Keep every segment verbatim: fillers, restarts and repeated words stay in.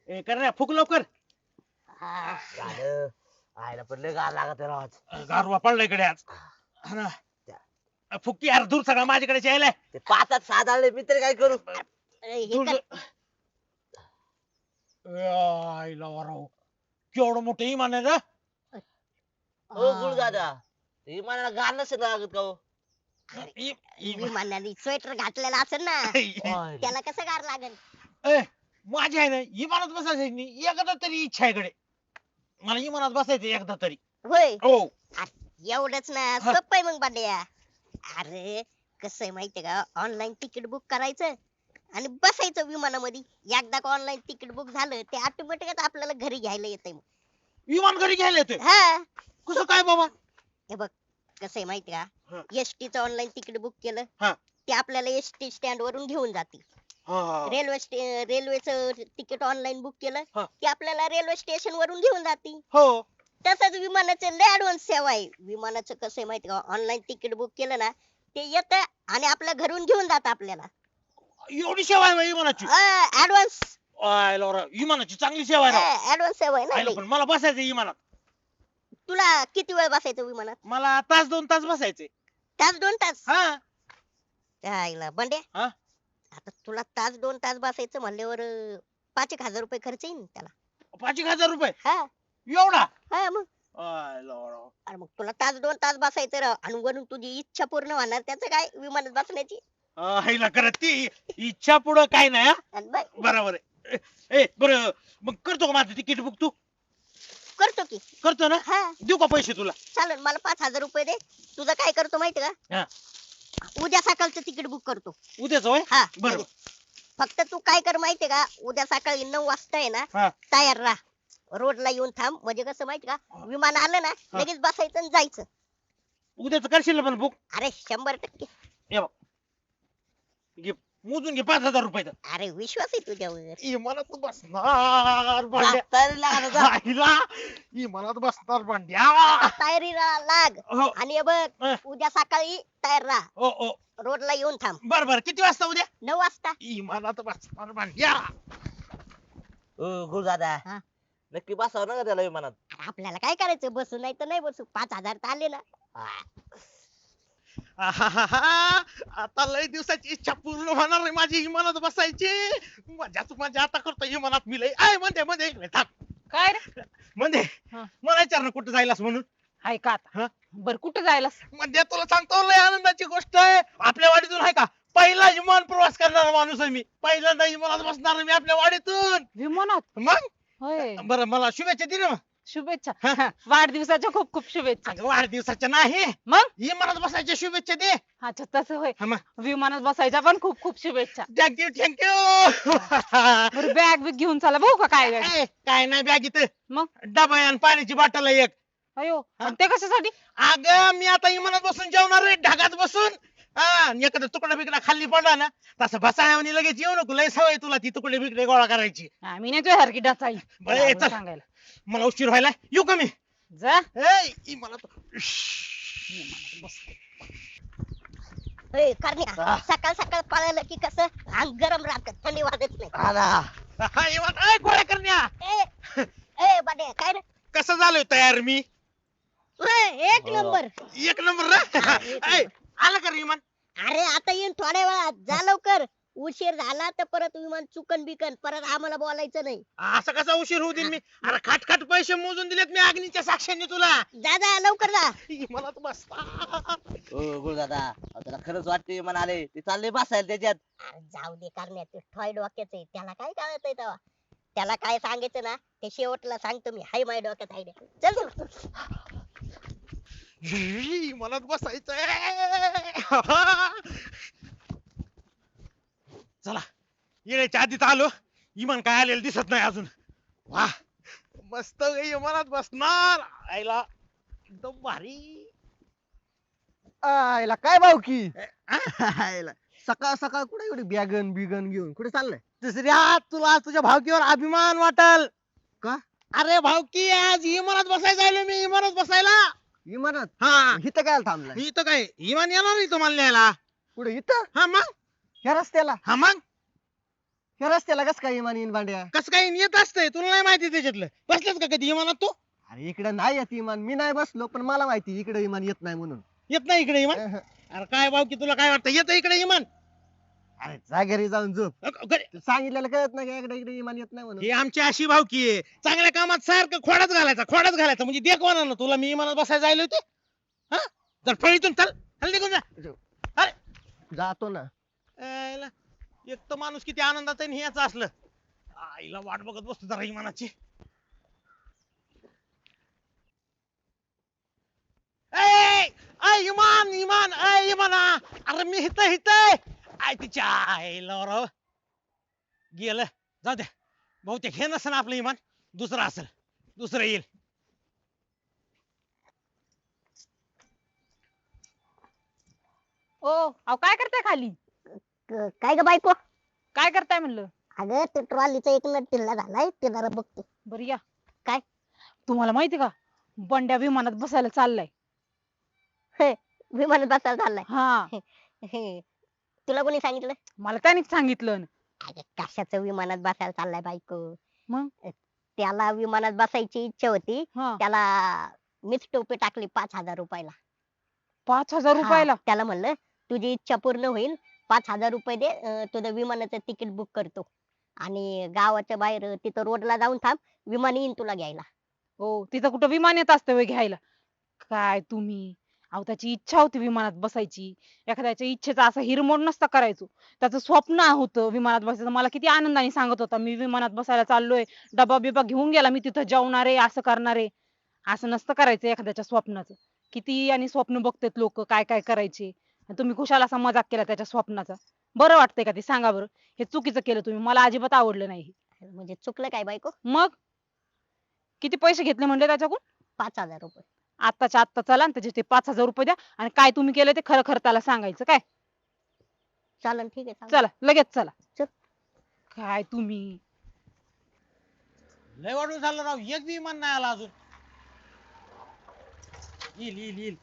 ए करण्या फुक लवकर. हा. झालं आयला पण लय गार लागत आहे राव आज. गारवा पडला इकडे आज. हा ना. फुकी यार दूर सगळा माझ्याकडे यायलाय. ते पाचात साधाळले मी तरी काय करू. अरे, हे दूर कर. आईला वराव केवढं मोठं इमान आहे ना. हो गुळ दादा इमानाला गार नसेल लागत का हो. इ- इ- विमानाने स्वेटर घातलेला असेल ना होय. त्याला कसं गार लागेल. ए, माझी आहे ना इमानात बसायचं नाही एकदा तरी इच्छा आहे कडे. मला इमानात बसायचं एकदा तरी. होय हो एवढंच ना हा. सोपं आहे मग बांड्या. अरे कसं आहे माहितीये का ऑनलाईन तिकीट बुक करायचं आणि बसायचं विमानामध्ये. एकदा का ऑनलाईन तिकीट बुक झालं ते ऑटोमॅटिकच आपल्याला घरी घ्यायला येतंय मग. विमान घरी घ्यायला येतोय. हा कसं काय बाबा. हे बघ कसं आहे माहिती हा. का एसटी चं ऑनलाईन तिकीट बुक केलं हा. ते आपल्याला एसटी स्टँड वरून घेऊन जाते. हा. रेल्वे रेल्वेचं तिकीट ऑनलाईन बुक केलं हा. की आपल्याला रेल्वे स्टेशन वरून घेऊन जाते. हो तसंच विमानाचं लय ऍडव्हान्स सेवा आहे. विमानाचं कसं आहे माहिती का ऑनलाईन तिकीट बुक केलं ना ते येतं आणि आपल्या घरून घेऊन जातं आपल्याला. एवढी सेवा आहे विमानाची. ऍडव्हान्स आयला वराव विमानाची चांगली सेवा आहे राव. ऍडव्हान्स सेवा आहे ना आयला लय. पण मला बसायचं विमानात. तुला किती वेळ बसायचं विमानात. मला तास दोन तास बसायचे. तास दोन तास हा त्याला बंडे हा? आता तुला तास दोन तास बसायचं म्हणल्यावर अं, पाच एक हजार रुपये खर्च येईल ना त्याला. पाच एक हजार रुपये हा एवढा. हा मग आयला वराव. अरे मग तुला तास दोन तास बसायचं राव आणि वरून तुझी इच्छा पूर्ण होणार त्याचं काय विमानात बसण्याची. आईला करत ती इच्छा पुढं काय नाही. हा? आणि बघ, बरोबर आहे. ए ए, बरं मग करतो का माझं तिकीट बुक तू. करतो की. करतो ना. हा देऊ का पैसे तुला. चालेल मला पाच हजार रुपये दे. तुझं काय करतो माहिती हा. का उद्या सकाळचं तिकीट बुक करतो. उद्याच होय. हा बरोबर. लगेच. फक्त तू काय कर माहितीये का उद्या सकाळी नऊ वाजता आहे ना हा. तयार राहा रोडला येऊन थांब. म्हणजे कसं माहिती का विमान आलं ना हा. लगेच बसायचं आणि जायचं. उद्याच करशील ना पण बुक. अरे शंभर टक्के. हे बघ घे मोजून घे पाच हजार रुपये. अरे विश्वास आहे तुझ्यावर. इमानात बसणार भांड्या. तरी लागत जा. आईला इमानात बसणार भांड्या. आता तयारीला लाग हो आणि हे बघ हा. उद्या सकाळी तयार राहा हो हो रोडला येऊन थांब बर बर किती वाजता उद्या. नऊ वाजता. इमानात बसणार भांड्या. ओ गुळ दादा हा. नक्की बसावं ना का त्याला विमानात. अरे आपल्याला काय करायचं बसू नाही तर नाही बसू पाच हजार तर आले ना. आहाहाहा. आता लय दिवसाची इच्छा पूर्ण होणार आहे माझी इमानात बसायची. मजाच मजा आता करतो इमानात मी लय. आय म्हणते मध्ये इकडे थांब. काय रे म्हणजे हा. मला विचार ना कुठं जायलास म्हणून. हाय का हा? आता बर कुठं जायला. म्हणजे तुला सांगतो लय आनंदाची गोष्ट आहे. आपल्या वाडीतून आहे का पहिला विमान प्रवास करणारा माणूस आहे मी. पहिल्यांदा विमानात बसणार आहे मी आपल्या वाडीतून. विमानात मग होय बरं मला शुभेच्छा दे ना मग. शुभेच्छा हा. वाढदिवसाच्या खूप खूप शुभेच्छा. अगं वाढदिवसाच्या नाही मग विमानात बसायच्या शुभेच्छा दे. अच्छा तसं होय हा मग विमानात बसायच्या पण खूप खूप शुभेच्छा. Thank you thank you. बरं बॅग बिग घेऊन चला बघू का काय काय. काय नाही बॅग इथं मग डबा आहे आणि पाण्याची बॉटल आहे एक. अयो हा? आणि ते कशासाठी. अगं मी आता विमानात बसून जेवणार आहे ढगात बसून. हा आणि एखादा तुकडा बिकडा खाली पडला ना तसं बसाय आणि लगेच येऊ नको लय सवय तुला ती तुकडे बिकडे गोळा करायची. आम्ही नाही तुझ्या सारखी डचाई बरं, ये, चल. सांगायला. मला उशीर व्हायला येऊ का मी. जा ए, विमानात विमानात बस. ए, करण्या हा. सकाळ सकाळ पळालं की कसं अंग गरम राहत थंडी वाजत नाही. हा ना. हा, विमान ए, गोळ्या करण्या. ए ए बाड्या काय रे कसं झालोय तयार मी. ए, एक हो. नंबर. एक नंबर ना. ए, आलं का रे विमान. अरे आता येईन थोड्या वेळात जा लवकर. उशीर झाला तर परत विमान चुकन बिकन परत आम्हाला बोलायचं नाही. असा कसा उशीर होऊ देईन मी. अरे खाट खाट पैसे मोजून दिलेत मी अग्नीच्या साक्षीने तुला. जा जा लवकर जा. विमानात बसता. ओ गुळ दादा अहो, त्याला खरंच वाटते विमान आले ते चालले बसायला त्याच्यात. अरे जाऊ दे करण्यात ते ठॉय डोक्याचं आहे त्याला काय कळतंय तेव्हा. त्याला काय सांगायचं ना ते शेवटला सांगतो मी हाय माझ्या डोक्यात आयडिया. चल चल. विमानात बसायचंय. चला येण्याच्या आधीच आलो. इमान काय आलेलं दिसत नाही अजून. वा मस्त इमानात बसणार. आईला एकदम भारी. आयला काय भाऊ की आ? आयला सकाळ सकाळ कुठे एवढी बॅगन बिगन घेऊन कुठे चाललंय. दुसऱ्या तुला तुझ्या भावकीवर अभिमान वाटल का? अरे भावकी आज इमानात बसायचं आलो मी इमानात बसायला. इमानात हा इथं काय थांबलाय. इथं काय इमान येणार नाही तुम्हाला न्यायला. कुठे इथं हा मग ह्या रस्त्याला. हा मग हे रस्त्याला कस काय इमान येईन भांड्या? कसं काय येत असतंय तुला नाही माहिती त्याच्यातलं बसलास का कधी विमानात तू अरे इकडे नाही येत इमान, मी नाही बसलो पण मला माहिती इकडे इमान येत नाही म्हणून. येत नाही इकडे विमान अहं. अरे काय भाऊ की तुला काय वाटतं येतं इकडे विमान अरे जा घरी जाऊन झोप. अ, घरी- तू सांगितलेलं कळत नाही का इकडे इकडे इमान येत नाही म्हणून. ही आमची अशी भावकी आहे चांगल्या कामात सारखं खोडाच घालायचा खोडाच घालायचा म्हणजे देख ना तुला मी विमानात बसायला जायला होते हा जर फळीतून चल चल निघून जा अरे जातो ना. आईला, एक तर माणूस किती आनंदात आहे आणि हे याचं असलं आईला वाट बघत बसतो जरा विमानाची ए, ए, इमान इमान ए इमाना अरे मी हित हित आय तिच्या आईला राव गेलं जाऊ द्या बहुतेक हे नसेल आपलं इमान दुसरं असेल दुसरं येईल ओ अहो काय करताय खाली? क- काय ग बायको? काय करताय म्हणलं? अगं ते ट्रॉलीचा एक नट ढिल्ला झालाय ते जरा बघते. बरं या. काय? तुम्हाला माहिती का बंड्या विमानात बसायला चाललाय? विमानात बसायला चाललाय. हा हे, तुला कोणी सांगितलं? मला त्यानेच सांगितलं. अगं कशाचं विमानात बसायला चाललाय बायको? मग? त्याला विमानात बसायची इच्छा होती, हा त्याला मीच टोपी टाकली पाच हजार रुपयाला. पाच हजार रुपयाला? हा, त्याला म्हणलं तुझी इच्छा पूर्ण होईल, पाच हजार रुपये दे, अं, तुझं विमानाचं तिकीट बुक करतो आणि गावाच्या बाहेर तिथं रोडला जाऊन थांब, विमान येईन तुला घ्यायला. हो तिथं कुठं विमान येत असतं व्हय घ्यायला? काय तुम्ही, अहो त्याची इच्छा होती विमानात बसायची, एखाद्याच्या इच्छेचा असा हिरमोड नसता करायचो. त्याचं स्वप्न होतं विमानात बसायचं. मला किती आनंदाने सांगत होता मी विमानात बसायला चाललोय, डबा बिबा घेऊन गेला मी तिथं जेवणार आहे असं करणार आहे. असं नसतं करायचं एखाद्याच्या स्वप्नाचं. किती आणि स्वप्न बघतात लोक काय काय करायचे, आणि तुम्ही खुशाल असा मजाक केला त्याच्या स्वप्नाचा. बरं वाटतंय का ते सांगा बरं? हे चुकीचं केलं तुम्ही, मला अजिबात आवडलं नाही. म्हणजे चुकलं काय बायको? मग किती पैसे घेतले म्हणले त्याच्याकडून? पाच हजार रुपये. आत्ताच्या आत्ता चला आणि त्याचे ते पाच हजार रुपये द्या, आणि काय तुम्ही केलं ते खरं खरं त्याला सांगायचं काय. चालन ठीक आहे सांग. चला लगेच चला. चल. काय तुम्ही, लय वाढून झालं राव एक बी विमान नाही आला अजून येईल येईल येईल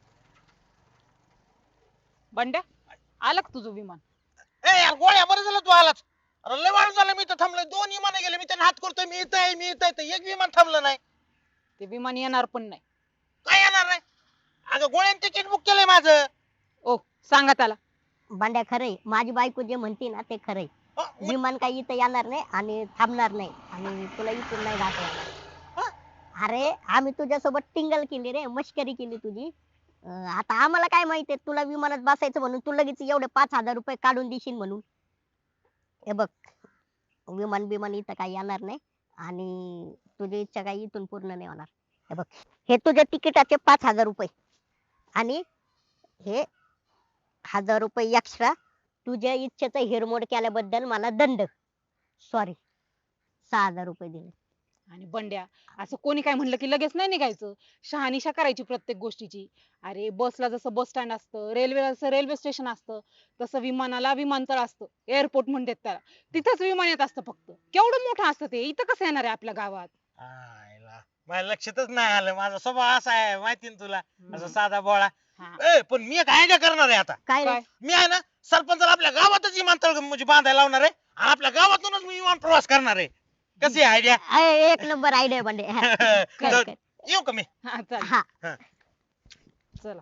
बंड्या आलं का तुझं विमान? ए यार गोळ्या बरं झालं तू आलाच अरे लय वाढून झालं मी तर थांबलोय दोन विमान गेले मी त्यांना हात करतोय मी इथं आहे मी इथं आहे तर एक विमान थांबलं नाही ते विमान येणार पण नाही. काय येणार नाही अगं गोळ्याने तिकीट बुक केलंय माझं ओ सांगा त्याला. भांड्या खरंय, माझी बायको जे म्हणते ना ते खरंय. अ, मी- विमान काही इथं येणार नाही आणि थांबणार नाही आणि तुला इथून नाही जाता येणार. अरे आम्ही तुझ्यासोबत टिंगल केली रे, मस्करी केली तुझी. अं, आता आम्हाला काय माहितीये तुला विमानात बसायचं म्हणून तू लगेच एवढे पाच हजार रुपये काढून देशील म्हणून. हे बघ, विमान बिमान इथं काही येणार नाही आणि तुझी इच्छा काही इथून पूर्ण नाही होणार. हे बघ, हे तुझ्या तिकिटाचे पाच हजार रुपये आणि हे हजार रुपये एक्स्ट्रा तुझ्या इच्छेचा हिरमोड केल्याबद्दल मला दंड. सॉरी, सहा हजार रुपये दिले. आणि बंड्या असं कोणी काय म्हणलं की लगेच नाही निघायचं. शहानिशा करायची प्रत्येक गोष्टीची. अरे बसला जसं बस स्टँड असतं, रेल्वेला जसं रेल्वे स्टेशन असतं, तसं विमानाला विमानतळ असतं, एअरपोर्ट म्हणतात त्याला. तिथंच विमान येत असतं फक्त. केवढं मोठं असतं ते, इथं कसं येणार आहे आपल्या गावात? आयला, माझ्या लक्षातच नाही आलं माझा स्वभाव असा आहे माहिती ना तुला असं साधा बोळा हा. ए पण मी एक आयडिया करणार आहे आता काय रे? काय? मी आहे ना सरपंचाला आपल्या गावातच विमानतळ म्हणजे बांधायला लावणार आहे आणि आपल्या गावातूनच मी विमान प्रवास करणार आहे कशी आयडिया अय, एक नंबर आयडिया बंडे. हा, कर, कर. येऊ का मी हा चल हा. चला.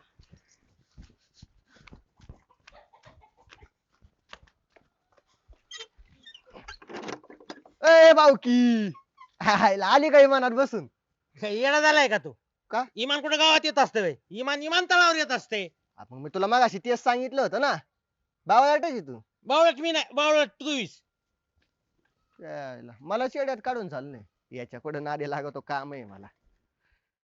ए बावकी, हायला आली का इमानात बसून? काय येडा झालाय का तू का? इमान कुठे गावात येत असते व्हय? इमान विमानतळावर येत असते आ, मग मी तुला मगाशी तेच सांगितलं होतं ना. बावळाटाची तू. बावळट मी नाही बावळट तूच यायला, मला चेड्यात काढून चाललंय. याच्या कुठं नादी लागतो काम आहे मला.